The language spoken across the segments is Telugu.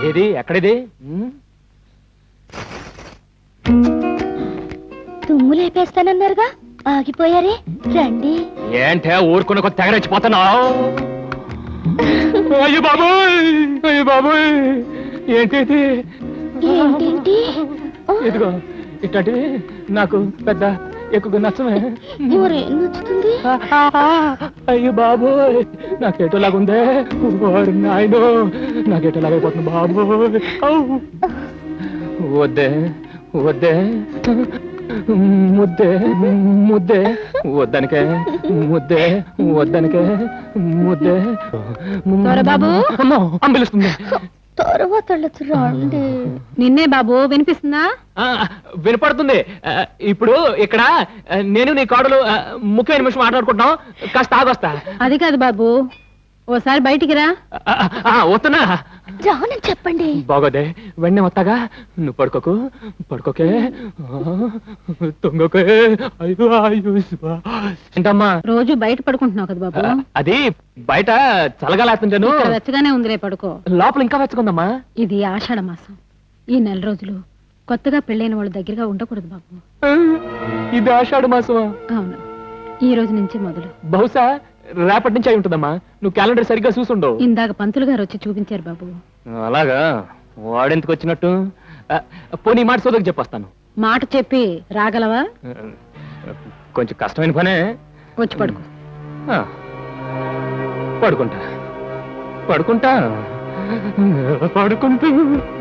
ఏది ఎక్కడిది? తుమ్ము లేపేస్తానన్నారుగా, ఆగిపోయారే, రండి. ఏంటే ఊరుకున్న కొద్ది తెగరెచ్చిపోతున్నావు? అయ్యో బాబోయ్, అయ్యో బాబోయ్, ఏంటి ఏంటేంటి? ఇదిగో ఇట్లాంటివి నాకు పెద్ద ఎక్కువ నచ్చమే. మరేం నచ్చుతుంది? అయ్యో బాబోయ్, నాకేటోలాగుందే, నాయనో నాకేటోలాగైపోతుంది బాబోయ్. వద్దే వద్దే ముద్దే ముద్దే వద్దనికే, ముద్దే వద్దనికే, ముద్దే. బాబు అంబిలుస్తుంది. తర్వాత రండి. నిన్నే బాబు, వినిపిస్తుందా? వినపడుతుంది. ఇప్పుడు ఇక్కడ నేను నీ కోడలు ముఖ్యమైన నిమిషం మాట్లాడుకుంటున్నాం, కాస్త ఆగొస్తా. అది కాదు బాబు, ఓసారి బయటికి రా. వస్తున్నా. రానని చెప్పండి. బాగోదే, వెంటనే వస్తాగా. నువ్వు పడుకోకు, పడుకోకే, తొంగకే. అయ్యో అయ్యో ఏంటమ్మా రోజు బయట పడుకుంటున్నావు కదా బాబు? అది బయట చల్లగాలేస్తుంటాను. ఇక్కడ వెచ్చగానే ఉందిలే, పడుకో. లోపల ఇంకా వెచ్చకుందమ్మా. ఇది ఆషాఢ మాసం. ఈ నెల రోజులు కొత్తగా పెళ్ళైన వాళ్ళ దగ్గరగా ఉండకూడదు బాబు. ఇది ఆషాఢ మాసమా? అవును, ఈ రోజు నుంచి మొదలు. బహుశా రేపటి నుంచి అయి ఉంటుందమ్మా. నువ్వు క్యాలెండర్ సరిగ్గా చూసుండవు. ఇందాక పంతులు గారు వచ్చి చూపించారు బాబు. అలాగా? వాడెందుకు వచ్చినట్టు? పోనీ మాట సోదరికి చెప్పొస్తాను. మాట చెప్పి రాగలవా? కొంచెం కష్టమైన పనే. వచ్చి పడుకో. పడుకుంటా పడుకుంటా పడుకుంటూ.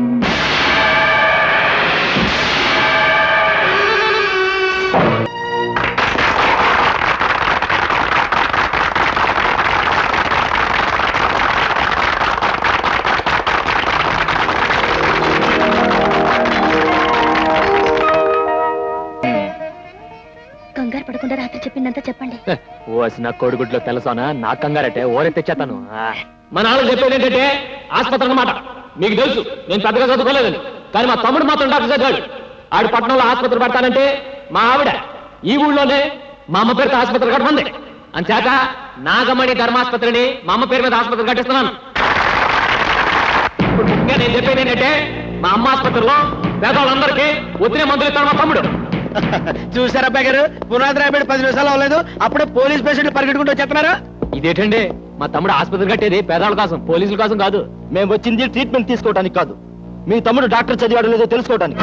కంగారు పడకుండా రాత్రి చెప్పిందంతా చెప్పండి. ఓసిన కోడిగుడ్లో తెలుసానా? నా కంగారటే ఓరే తెచ్చేతాను. మన వాళ్ళు చెప్పేది ఏంటంటే ఆసుపత్రి అన్నమాట. మీకు తెలుసు నేను పెద్దగా చదువుకోలేదని, కానీ మా తమ్ముడు మాత్రం డాక్టర్ చదివాడు. ఆడు పట్టణంలో ఆసుపత్రి పడతానంటే మా ఆవిడ ఈ ఊళ్ళోనే మా అమ్మ పేరుతో ఆసుపత్రి కట్టమంది. అంచేత నాగమణి ధర్మాసుపత్రిని మా అమ్మ పేరు మీద ఆసుపత్రి కట్టిస్తున్నాను. ఇప్పుడు ముఖ్యంగా నేను చెప్పేది ఏంటంటే మా అమ్మ ఆసుపత్రిలో పేదవాళ్ళందరికీ ఒత్తిడి మందులు ఇస్తాను మా తమ్ముడు. చూసారా అబ్బాయి గారు, పునాది రాబడి 10 నిమిషాలు అవ్వలేదు, అప్పుడే పోలీస్ పేషెంట్లు పరిగెట్టుకుంటూ వచ్చేస్తున్నారా? ఇదేంటండి, మా తమ్ముడు ఆసుపత్రి కట్టేది పేదవాళ్ళ కోసం, పోలీసుల కోసం కాదు. మేము వచ్చింది ట్రీట్మెంట్ తీసుకోవడానికి కాదు, మీ తమ్ముడు డాక్టర్ చదివాడు లేదో తెలుసుకోవడానికి.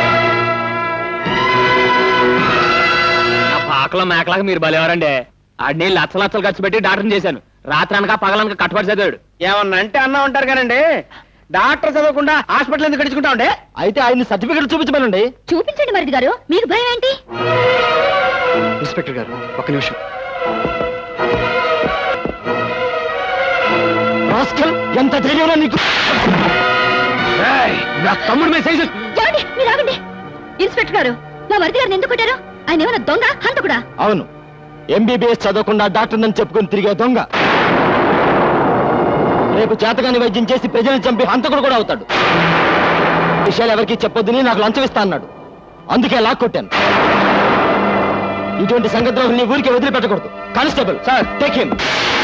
పాకలో మేకలాగా మీరు బలేవారండి. ఆడిని లచ్చలు ఖర్చు పెట్టి డాక్టర్ని చేశాను. రాత్రి అనక పగలనక కట్టుబడి చదివాడు. ఏమన్నా అంటే అన్నా ఉంటారు కానండి, డాక్టర్ చదవకుండా హాస్పిటల్ ఎందుకు గడుచుకుంటా ఉండే? అయితే ఆయన సర్టిఫికెట్ చూపించమనండి. చూపించండి మరిది గారు, మీకు భయం ఏంటి? ఇన్స్పెక్టర్ గారు ఒక్క నిమిషం. ఎంత ధైర్యంలో నీకు? నా తమ్ముడు మీద సైజు. మీరు ఆగండి. ఇన్స్పెక్టర్ గారు, మా మరిది గారిని ఎందుకు కొట్టారు? ఆయన ఏమైనా దొంగ హంతకుడా? అవును, ఎంబీబీఎస్ చదవకుండా డాక్టర్ నన్ను చెప్పుకొని తిరిగే దొంగ. రేపు చేతగాని వైద్యం చేసి ప్రజలను చంపి హంతకుడు కూడా అవుతాడు. విషయాలు ఎవరికి చెప్పొద్దని నాకు లంచం ఇస్తా అన్నాడు, అందుకే లాక్కొట్టాను. ఇటువంటి సంగద్రోహుల్ని ఊరికే వదిలిపెట్టకూడదు. Constable sir, take him.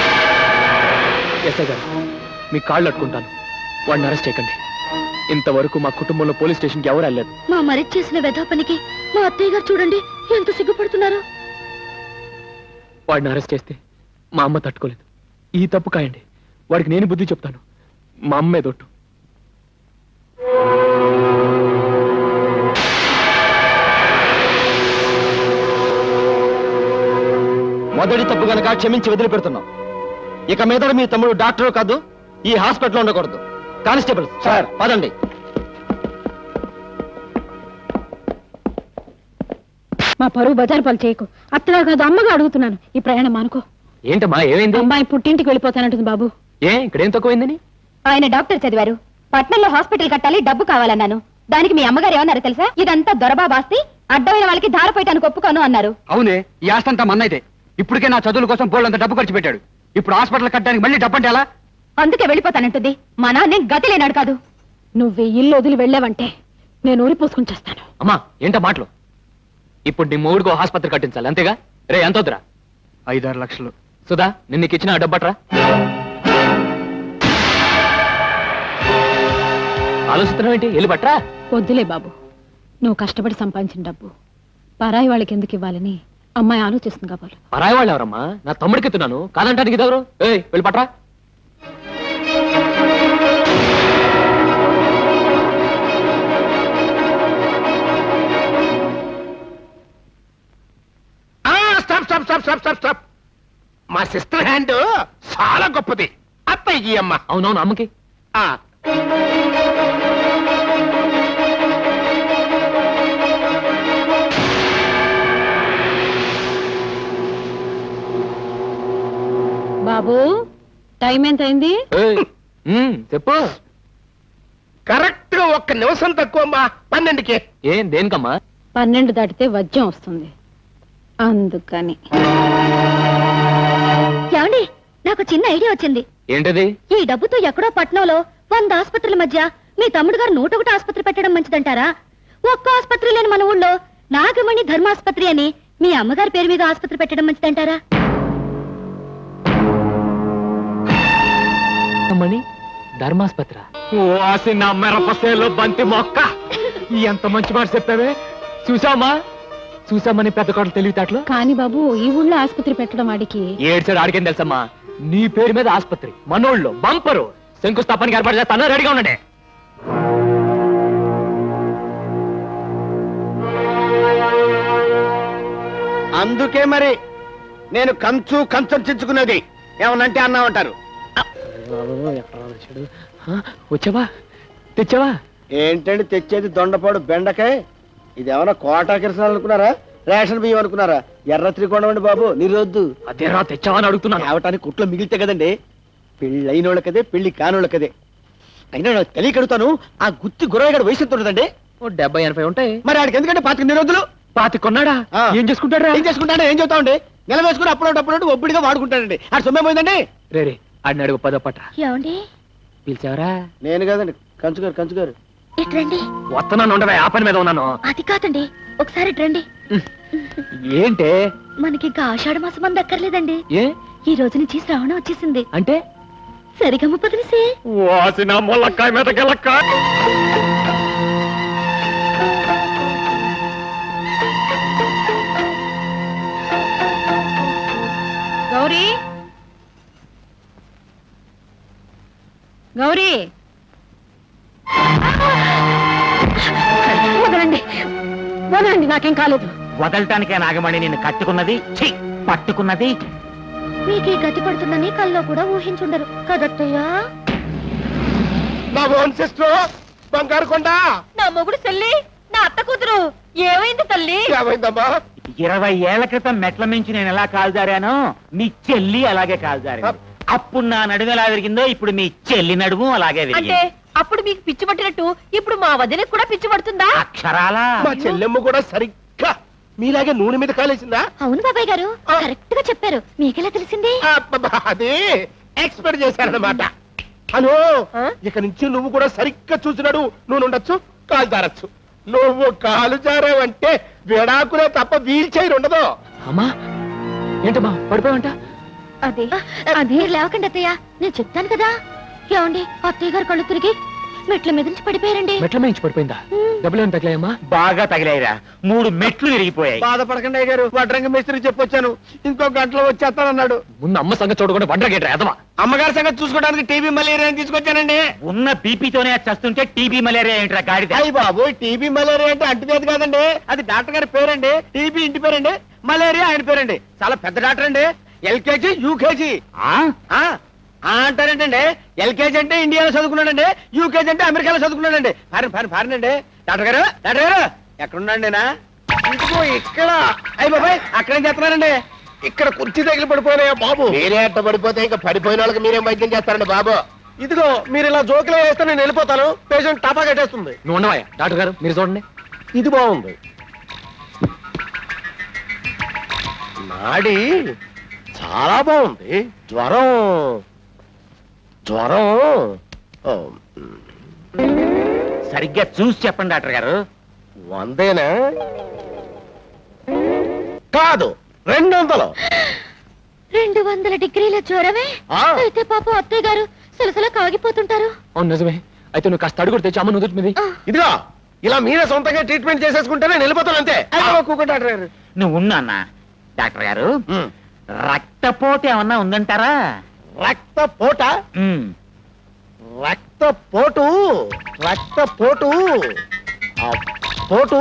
SI గారు, మీ కాళ్ళు అట్టుకుంటాను, వాడిని అరెస్ట్ చేయకండి. ఇంతవరకు మా కుటుంబంలో పోలీస్ స్టేషన్కి ఎవరు వెళ్ళలేదు. మా మరిది చేసిన వెధా పనికి మా అత్తయ్య గారు చూడండి ఎంత సిగ్గుపడుతున్నారు. వాడిని అరెస్ట్ చేస్తే మా అమ్మ తట్టుకోలేదు. ఈ తప్పు కాయండి, వాడికి నేను బుద్ధి చెప్తాను. మా అమ్మే దొట్టు. మొదటి తప్పు గనక క్షమించి వదిలిపెడుతున్నాం. ఇక మీద మీ తమ్ముడు డాక్టర్ కాదు, ఈ హాస్పిటల్లో ఉండకూడదు. కానిస్టేబుల్ సార్, పదండి. మా పరువు బజారు పాలు చేయకు. అత్తగా కాదు, అమ్మగా అడుగుతున్నాను. ఈ ప్రయాణం అనుకో. ఏంటమ్మా ఏమైంది? అమ్మాయి పుట్టింటికి వెళ్ళిపోతానంటుంది బాబు. ఇక్కడేం తక్కువైందని? ఆయన డాక్టర్ చదివారు, పట్నంలో హాస్పిటల్ కట్టాలి, డబ్బు కావాలన్నాను. దానికి మీ అమ్మగారు ఏమన్నారు తెలుసా? ఇదంతా దొరబాబాస్తి, అడ్డమైన వాళ్ళకి ధారపోయటానికి ఒప్పుకోను అన్నారు. అవునే, ఈ ఆస్తంతా మన్నైతే. ఇప్పటికే నా చదువుల కోసం బోళ్ళంత డబ్బు ఖర్చు పెట్టాడు. ఇప్పుడు హాస్పిటల్ కట్టడానికి మళ్ళీ డబ్బు అంటే ఎలా? అందుకే వెళ్ళిపోతానంటుంది. మా నాన్న గతి లేనాడు కాదు. నువ్వు ఇల్లు వదిలి వెళ్ళావంటే నేను ఊరి పోసుకుని చేస్తాను. అమ్మా ఏంటో మాటలు? ఇప్పుడు నీ మూడుకో ఆసుపత్రి కట్టించాలి, అంతేగా? రే ఎంత వద్దురా? 5-6 లక్షలు. సుధా, నిన్న నీకు ఇచ్చిన డబ్బట్రా. ఆలోచిస్తున్నావు ఏంటి? వెళ్ళి పట్రా. వద్దులే బాబు, నువ్వు కష్టపడి సంపాదించిన డబ్బు పరాయి వాళ్ళకి ఎందుకు ఇవ్వాలని అమ్మాయి ఆలోచిస్తుంది కాబోలు. పరాయి వాళ్ళు ఎవరమ్మా? నా తమ్ముడికి ఎత్తున్నాను, కాదంటానికి ఇదెవరు? ఏయ్, వెళ్ళి పట్రా. Stop stop stop stop stop stop. మా సిస్టర్ హ్యాండ్ చాలా గొప్పది. అత్తయ్యకి అమ్మ. అవునవును, అమ్మకి. ఆ, బాబు, టైం ఎంత అయింది? ఏయ్, చెప్పు. కరెక్ట్ గా 1 నిమిషం తక్కువ అమ్మా. 12కి. ఏం దేనికమ్మా? 12 దాటితే వజ్యం వస్తుంది, అందుకని. ఏమండి, నాకు చిన్న ఐడియా వచ్చింది. ఏంటది? ఈ డబ్బుతో ఎక్కడో పట్నంలో 100 ఆసుపత్రుల మధ్య మీ తమ్ముడు గారు 101 ఆసుపత్రి పెట్టడం మంచిదంటారా? ఒక్క ఆసుపత్రి లేని మన ఊళ్ళో నాగమణి ధర్మాసుపత్రి అని మీ అమ్మగారి పేరు మీద ఆసుపత్రి పెట్టడం మంచిదంటారా? మణి ధర్మాస్పత్ర. వాసి నా మెరపసేలో బంతి మొక్క. ఎంత మంచి మాట చెప్పావే. చూసామా చూసామని పెద్ద కోటలు తెలివితేటలు. కానీ బాబు, ఈ ఊళ్ళో ఆసుపత్రి పెట్టడం వాడికి. ఏడ్చాడు ఆడికేం తెలుసమ్మా? నీ పేరు మీద ఆసుపత్రి మనోళ్ళు బంపరు శంకుస్థాపనకి ఏర్పాటు చేస్తాను. రెడీగా ఉండండి. అందుకే మరి నేను కంచర్చించుకున్నది. ఏమనంటే అన్నామంటారు. వచ్చావా? తెచ్చావా? ఏంటండి తెచ్చేది? దొండపాడు బెండకాయ. ఇది ఏమన్నా కోటా కిరసనాలు అనుకున్నారా? రేషన్ బియ్యం అనుకున్నారా? ఎర్ర త్రికోణం అండి బాబు, నిరోద్దు. అదేరా తెచ్చావా అని అడుగుతున్నాను. తేవటానికి కుట్లో మిగిలితే కదండి. పెళ్ళి అయినోళ్ళకదే, పెళ్లి కానోళ్ళకదే. అయినా నాకు తెలియకడుతాను, ఆ గుత్తి గురవగాడు వయసు ఎంత ఉంటుందండి? ఓ 70-80 ఉంటాయి. మరి ఆడికి ఎందుకంటే 25 నిరోధులు. 25 కొన్నాడా? ఆ. ఏం చేసుకుంటాడా? ఏం చేసుకుంటాడో ఏం చెబుతామండి? నెల వేసుకుని అప్పుడప్పుడు ఒబ్బడిగా వాడుకుంటాడండి. ఆ సొమ్మే పోయిందండి. రే ఆడిని అడుగు 10 పట్ట. ఏమండి, పిలిచావరా? నేను కదండి, కంచుగారు. ఇట్రండి. వస్తున్నాను, ఉండవే. ఆ పని మీద ఉన్నాను. అది కాదండి, ఒకసారి ఇట్రండి. ఏంటే? మనకి ఇంకా ఆషాఢ మాసం అంత అక్కర్లేదండి. ఏ ఈ రోజు నుంచి శ్రావణం వచ్చేసింది. అంటే? సరిగమ్మ పదిలిసే. వాసిన మొలక్కాయ మీద గెలక్కాయ. గౌరీ, గౌరీ, వదలండి, నాకేం కాలేదు. వదలటానికే నాగమణి నిన్ను కట్టుకున్నది, ఛీ, పట్టుకున్నది. మీకే గతి పడుతుందని కల్లో కూడా ఊహించుండరు కదత్తయ్యా. నా ఓన్ సిస్టర్ బంగారు కొండ. నా మొగుడు చెల్లి, నా అత్త కూతురు. ఏమైంది తల్లి? ఏమైందమ్మా? 20 ఏళ్ల క్రితం మెట్ల మించి నేను ఎలా కాల్జారానో మీ చెల్లి అలాగే కాల్జారింది. అప్పుడు నా నడుము ఎలా విరిగిందో ఇప్పుడు మీ చెల్లి నడుము అలాగే విరిగింది. అప్పుడు మీకు పిచ్చి పట్టినట్టు ఇప్పుడు మా వదినకి కూడా పిచ్చి పడుతుందా? అక్షరాలా మా చెల్లెమ్మ కూడా సరిగ్గా మీలాగే నూనె మీద కాలేసిందా? అవును బాబాయ్ గారు, కరెక్ట్ గా చెప్పారు. మీకెలా తెలిసింది? అది ఎక్స్పెక్ట్ చేశారన్నమాట. అను ఇక నుంచి నువ్వు కూడా సరిగ్గా చూసినాడు. నువ్వు ఉండొచ్చు, కాలు జారచ్చు. నువ్వు కాలు జారావంటే విడాకులే తప్ప వీల్ చైర్ ఉండదు. అమ్మా ఏంటమ్మా పడిపోయావంట? అది లేవకండి అత్తయ్య, నేను చెప్తాను కదా. ఏమండి, అత్తయ్య గారు కళ్ళు తిరిగి మెట్ల మీద నుంచి పడిపోయారండి. మెట్ల మించి పడిపోయిందా? డబ్బులు ఏమైనా తగిలాయమ్మా? బాగా తగిలాయిరా, 3 మెట్లు విరిగిపోయాయి. బాధపడకండి అయ్య గారు, వడ్రంగ మేస్త్రికి చెప్పొచ్చాను, ఇంకో గంటలో వచ్చేస్తానన్నాడు. ముందు అమ్మ సంగతి చూడకుండా వండరగేట్రా ఎదవా. అమ్మగారి సంగతి చూసుకోవడానికి టీబీ మలేరియా తీసుకొచ్చానండి. ఉన్న బీపీతోనే చస్తుంటే టీబీ మలేరియా ఏంట్రా గాడిద? అయ్యి బాబు, టీబీ మలేరియా అంటే అంటువ్యాధి కాదండి, అది డాక్టర్ గారి పేరండి. టీబీ ఇంటి పేరండి, మలేరియా ఆయన పేరండి. చాలా పెద్ద డాక్టర్ అండి. LKG UKG అంటారేంటండి. ఎల్కేజీ అంటే ఇండియాలో చదువుకున్నాడండి, యూకేజీ అంటే అమెరికాలో చదువుకున్నాడండి. ఫారిన్ అండి. డాక్టర్ గారు ఎక్కడున్నాండి? ఇదిగో ఇక్కడ. అయ్యి బాబాయ్, అక్కడేం చేస్తున్నారండి? ఇక్కడ కుర్చీ తగిలి పడిపోయినాయా బాబు? మీరే అట్ట పడిపోతే ఇంకా పడిపోయిన వాళ్ళకి మీరేం వైద్యం చేస్తారండి బాబు? ఇదిగో మీరు ఇలా జోకులు వేస్తే నేను వెళ్ళిపోతాను. పేషెంట్ టాపా కట్టేస్తుంది. నువ్వు ఉండవా డాక్టర్ గారు, మీరు చూడండి. ఇది బాగుంది. నాడి చాలా బాగుంది. జ్వరం ఓ, సరిగ్గా చూసి చెప్పండి డాక్టర్ గారు. 100 కాదు 200. 200 డిగ్రీల జ్వరమే? ఆ. అయితే పాపం అత్తయ్య గారు సలసల కాగిపోతుంటారు. అవును నిజమే, అయితే నువ్వు కాస్త అడుగుడు తెచ్చి అమ్మ నుదుటి మీద ఇదిగో ఇలా మీరే సొంతంగా ట్రీట్మెంట్ చేసేసుకుంటేనే వెళ్ళిపోతాను అంతే. కూకో డాక్టర్ గారు. నువ్వు ఉన్నా అన్న డాక్టర్ గారు రక్తపోటు ఏమన్నా ఉందంటారా? రక్తపోట ఉమ్. రక్తపోటు రక్తపోటు ఆ పోటు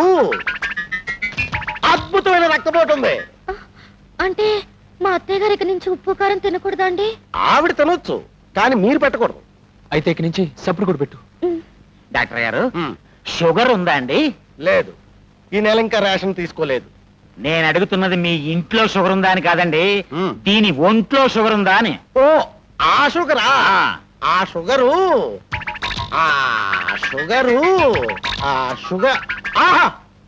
అద్భుతమైన రక్తపోటు ఉంది. అంటే మా అత్తయ్య గారి నుంచి ఉప్పు కారం తినకూడదా అండి? ఆవిడ తినొచ్చు కానీ మీరు పెట్టకూడదు. అయితే ఇక నుంచి సప్పుడు కూడా పెట్టు. డాక్టర్ గారు షుగర్ ఉందా అండి? లేదు, ఈ నెల ఇంకా రేషన్ తీసుకోలేదు. నేను అడుగుతున్నది మీ ఇంట్లో షుగర్ ఉందా అని కాదండి, మ్. దీని ఒంట్లో షుగర్ ఉందా అని. ఓ ఆ షుగరా? ఆ షుగరు ఆ షుగరు ఆ షుగర్ ఆహా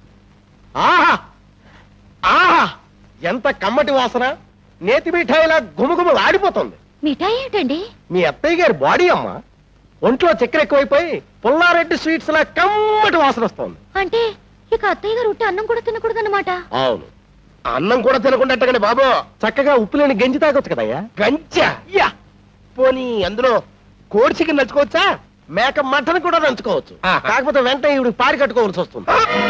ఆహా ఆహా ఎంత కమ్మటి వాసన! నేతి మిఠాయిలా గుమగుమ ఆడిపోతుంది. మిఠాయి ఏంటండి? మీ అత్తయ్య గారి బాడీ అమ్మ. ఒంట్లో చక్కెర ఎక్కువైపోయి పుల్లారెడ్డి స్వీట్స్ లా కమ్మటి వాసన వస్తుంది. అంటే ఇక అత్తయ్య గారు ఉట్టి అన్నం కూడా తినకూడదన్నమాట. అవును, అన్నం కూడా తినకుండా బాబు చక్కగా ఉప్పు లేని గంజి తాగొచ్చు కదయ్యా. గంజా? యా, పోనీ అందులో కోడి చికెన్ నంచుకోవచ్చా? మేక మటన్ కూడా నంచుకోవచ్చు. కాకపోతే వెంటనే ఇవి పారి కట్టుకోవాల్సి వస్తుంది.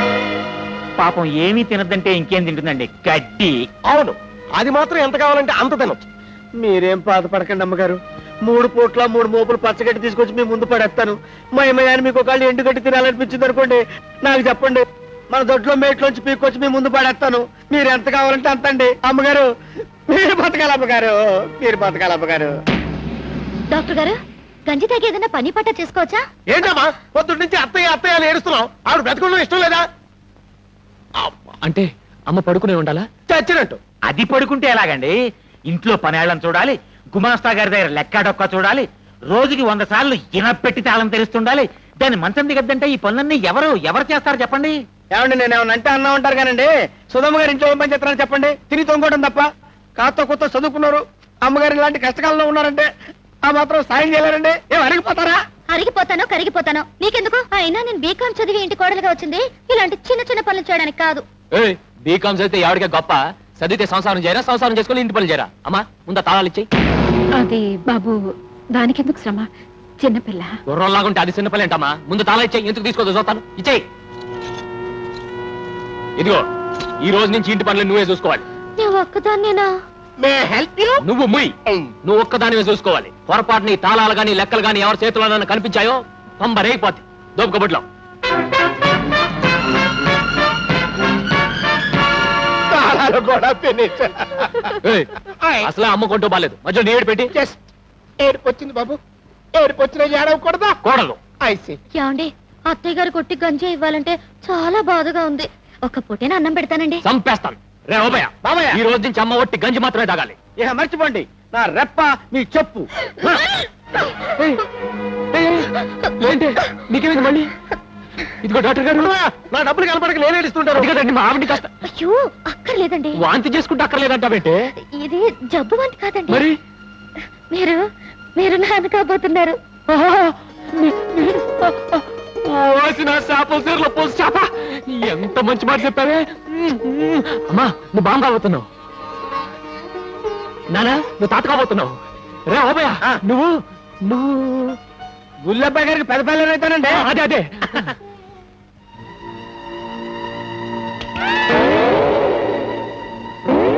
పాపం ఏమీ తినద్దంటే ఇంకేం తింటుందండి? గడ్డి. అవును, అది మాత్రం ఎంత కావాలంటే అంత తినొచ్చు. మీరేం బాధపడకండి అమ్మగారు. 3 పూట్ల 3 మోపులు పచ్చగడ్డి తీసుకొచ్చి మీ ముందు పడేస్తాను. మా అమ్మగారిని మీకు ఒకళ్ళు ఎండుగడ్డి తినాలనిపించింది అనుకోండి, నాకు చెప్పండి, మన దొడ్లో మేట్లోంచి పీక్కొచ్చి మీ ముందు పడేస్తాను. మీరు ఎంత కావాలంటే అంత అండి. అమ్మగారు మీరు బతకాలి, అమ్మగారు మీరు బతకాలి అమ్మగారు. డాక్టర్ గారు, గంజి తాగి ఏదైనా పని పట్ట చేసుకోవచ్చా? ఏంటమ్మా పొద్దున్న నుంచి అత్తయ్య అత్తయ్య అని ఏడుస్తున్నావు? ఆవిడ బ్రతకడం ఇష్టం లేదా? అబ్బా, అంటే అమ్మ పడుకునే ఉండాలా? చచ్చినట్టు. అది పడుకుంటే ఎలాగండి? ఇంట్లో పనేళ్ళని చూడాలి, గుమాస్తా గారి దగ్గర లెక్కాడొక్క చూడాలి, రోజుకి 100 సార్లు ఇనపెట్టి తాళం తెరుస్తుండాలి. దాన్ని మంచం దిగద్దంటే ఈ పనులన్నీ ఎవరు చేస్తారు చెప్పండి? ఏమండి, నేను ఏమన్నా అంటే అన్నా ఉంటారు కానండి. సుధమ్మ గారు ఇంట్లో ఏం పని చేస్తారని చెప్పండి. తిని తొంగోవడం తప్ప. కాస్త కొత్త చదువుకున్నారు, అమ్మగారు ఇలాంటి కష్టకాలంలో ఉన్నారంటే ఆ మాత్రం సాయం చేయలేరండి. ఏం అరిగిపోతారా? అరిగిపోతానో కరిగిపోతానో నీకెందుకు? అయినా నేను బీకాం చదివి ఇంటి కోడలుగా వచ్చింది ఇలాంటి చిన్న చిన్న పనులు చేయడానికి కాదు. బీకామ్ చదివితే ఎవరికే గొప్ప, చదివితే సంసారం చేయరా, సంసారం చేసుకుని ఇంటి పనులు చేయరా? అమ్మా ముందు తాళాలు ఇచ్చేయి. అది బాబు, దానికెందుకు శ్రమ, చిన్నపిల్ల. గుర్రంలాగుంటే అది చిన్న పని ఏంటమ్మా? ముందు తాళా ఇచ్చేయి. ఎందుకు తీసుకోదు చూస్తాను. ఇచ్చేయి. ఇదిగో, ఈ రోజు నుంచి ఇంటి పనులు నువ్వే చూసుకోవాలి. నేను ఒక్కదాన్నేనా? May help you? నువ్వు ముయ్, నువ్వు ఒక్కదానివే చూసుకోవాలి. పొరపాటు నీ తాళాలు గాని లెక్కలు గాని ఎవరి చేతిలో కనిపించాయో పంబరేగిపోద్ది. దోపుకబుట్లో తాళాలు కూడా ఫినిష్. అసలే అమ్మ కొంటూ బాలేదు, మధ్యలో నీడు పెట్టి జస్ట్ ఏడుపు వచ్చింది బాబు. ఏడుపు వచ్చిన ఏడవకూడదా? కోడలు. ఐసి ఏమండి, అత్తయ్య గారు కొట్టి గంజి ఇవ్వాలంటే చాలా బాధగా ఉంది. ఒక్క పూటేనా అన్నం పెడతానండి. చంపేస్తాను. రే ఓబయ్య, బాబయ్య. ఈ రోజు నుంచి అమ్మ ఒట్టి గంజి మాత్రమే తాగాలి. ఇక మర్చిపోండి, నా రెప్ప మీ చెప్పు. ఏంటి నీకేమైంది మళ్ళీ? ఇదిగో డాక్టర్ గారు, నా డబ్బులు కనపడక నేను ఏడుస్తుంటాను. అది కదండి మా ఆవిడ కష్టం. అయ్యో అక్కర్లేదండి, వాంతి చేసుకుంటే అక్కర్లేదంటావేంటే? ఇది జబ్బు వంటి కాదండి. మరి మీరు మీరు నాన్న కాబోతున్నారు. ఓసిన చేపల సీరలో పోసి చేప, ఎంత మంచి మాట చెప్పావే. అమ్మా నువ్వు బాగా కాబోతున్నావు. నానా నువ్వు తాత కాబోతున్నావు. రే ఓబయ్య, నువ్వు గుల్లబ్బాయి గారికి పెద్ద పిల్లలు అవుతానండి. అదే